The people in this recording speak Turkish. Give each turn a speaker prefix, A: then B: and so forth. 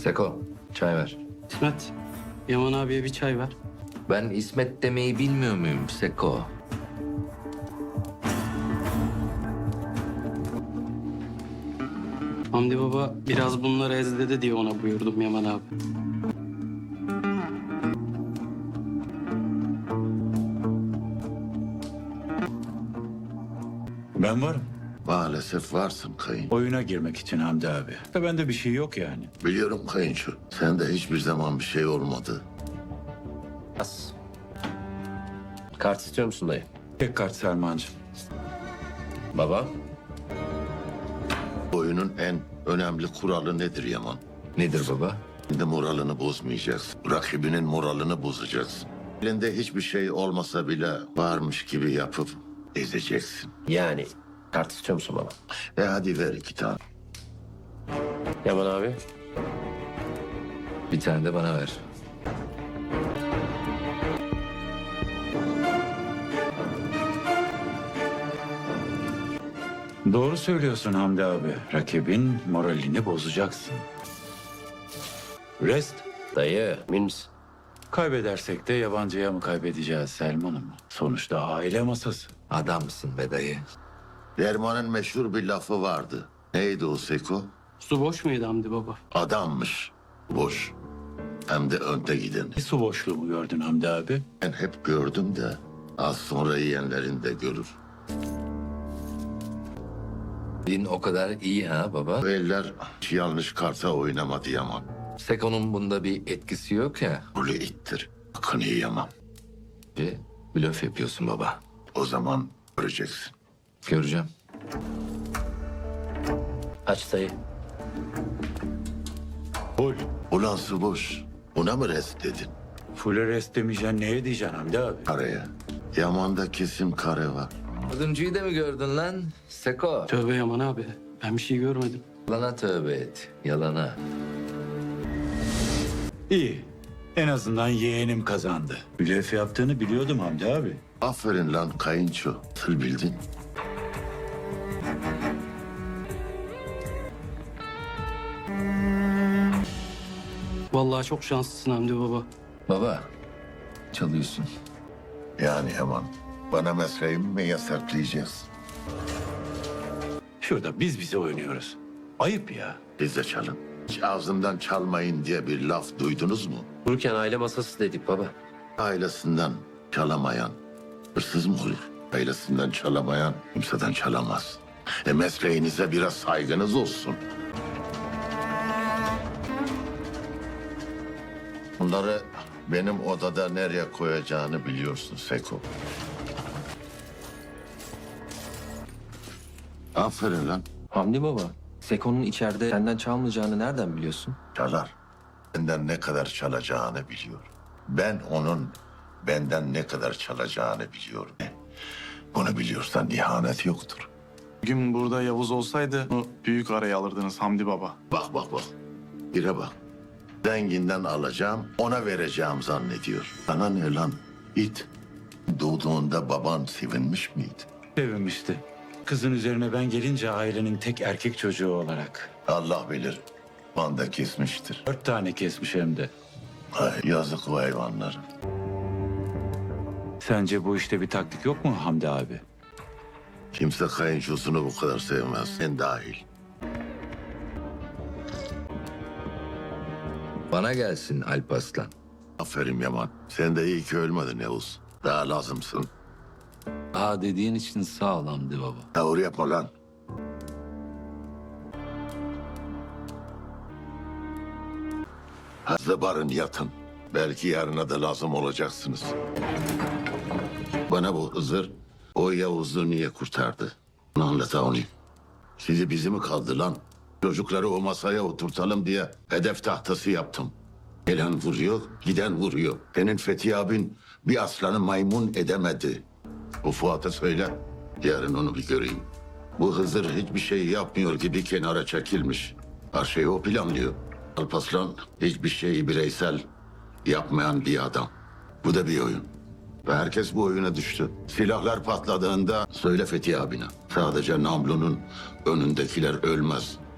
A: Seko, çay ver.
B: İsmet, Yaman abiye bir çay ver.
A: Ben İsmet demeyi bilmiyor muyum Seko?
B: Hamdi baba biraz bunları ezledi diye ona buyurdum Yaman abi.
C: Ben varım.
D: Maalesef varsın kayın.
C: Oyuna girmek için Hamdi abi. Da bende bir şey yok yani.
D: Biliyorum kayınço. Sende hiçbir zaman bir şey olmadı.
A: As. Kart istiyor musun dayı?
C: Tek kart Selmancığım.
A: Baba.
D: Oyunun en önemli kuralı nedir Yaman?
A: Nedir baba?
D: Kendi moralini bozmayacaksın. Rakibinin moralini bozacaksın. Elinde hiçbir şey olmasa bile varmış gibi yapıp ezeceksin.
A: Yani kart istiyor musun baba?
D: Hadi ver 2 tane.
A: Yaman abi. Bir tane de bana ver.
C: Doğru söylüyorsun Hamdi abi. Rakibin moralini bozacaksın. Rest.
A: Dayı, emin misin?
C: Kaybedersek de yabancıya mı kaybedeceğiz Selman'ım? Sonuçta aile masası.
A: Adamsın be dayı.
D: Derman'ın meşhur bir lafı vardı. Neydi o Seko?
B: Su boş muydu Hamdi baba?
D: Adammış. Boş. Hem de önde giden.
C: Bir su boşluğu mu gördün Hamdi abi?
D: Ben hep gördüm de az sonra yiyenlerin de görür.
A: Din o kadar iyi ha baba.
D: Bu eller hiç yanlış karta oynamadı Yaman.
A: Seko'nun bunda bir etkisi yok ya.
D: Rolü ittir. Hakkını yiyemem.
A: Bir blöf yapıyorsun baba.
D: O zaman göreceksin.
A: Göreceğim.
B: Aç dayı.
C: Full.
D: Ulan su boş. Buna mı rest dedin?
C: Full rest demeyeceksin neye diyeceksin Hamdi abi?
D: Karaya. Yaman'da kesin kare var.
A: Dördüncüyü de mi gördün lan? Seko.
B: Tövbe Yaman abi. Ben bir şey görmedim.
A: Yalana tövbe et. Yalana.
C: İyi. En azından yeğenim kazandı. Blöf yaptığını biliyordum Hamdi abi.
D: Aferin lan kayınço. Nasıl bildin?
B: Vallahi çok şanslısın Hamdi baba.
A: Baba. Çalıyorsun.
D: Yani Yaman. Bana mesleğimi mi yasaklayacaksın?
C: Şurada biz bize oynuyoruz. Ayıp ya.
D: Biz de çalın. Hiç ağzından çalmayın diye bir laf duydunuz mu?
A: Dururken aile masası dedik baba.
D: Ailesinden çalamayan hırsız mı olur? Ailesinden çalamayan kimseden çalamaz. Mesleğinize biraz saygınız olsun. Bunları benim odada nereye koyacağını biliyorsun Seko. Aferin lan.
E: Hamdi baba, Seko'nun içeride senden çalmayacağını nereden biliyorsun?
D: Çalar. Benden ne kadar çalacağını biliyor. Ben onun benden ne kadar çalacağını biliyorum. Bunu biliyorsan ihanet yoktur.
F: Bugün burada Yavuz olsaydı onu büyük araya alırdınız Hamdi Baba.
D: Bak bak bak. Bire bak. Zenginden alacağım, ona vereceğim zannediyor. Sana ne lan? İt. Doğduğunda baban sevinmiş miydi?
C: Sevinmişti. Kızın üzerine ben gelince ailenin tek erkek çocuğu olarak.
D: Allah bilir. Banda kesmiştir.
C: 4 tane kesmiş hem de.
D: Ay, yazık o hayvanlara.
C: Sence bu işte bir taktik yok mu Hamdi abi?
D: Kimse kayınçosunu bu kadar sevmez. Sen dahil.
A: Bana gelsin Alparslan.
D: Aferin Yaman. Sen de iyi ki ölmedin Yavuz. Daha lazımsın.
E: Aa dediğin için sağ ol Hamdi baba.
D: Tavır yapma lan. Hızlı barın yatın. Belki yarına da lazım olacaksınız. Bana bu Hızır o Yavuz'u niye kurtardı? Onu anlat onu. Sizi bizi mi kaldı lan? Çocukları o masaya oturtalım diye hedef tahtası yaptım. Gelen vuruyor, giden vuruyor. Senin Fethi abin bir aslanı maymun edemedi. O Fuat'a söyle, yarın onu bir göreyim. Bu Hızır hiçbir şey yapmıyor gibi kenara çekilmiş. Her şeyi o planlıyor. Alparslan hiçbir şeyi bireysel yapmayan bir adam. Bu da bir oyun. Ve herkes bu oyuna düştü. Silahlar patladığında söyle Fethi abine. Sadece Namlu'nun önündekiler ölmez.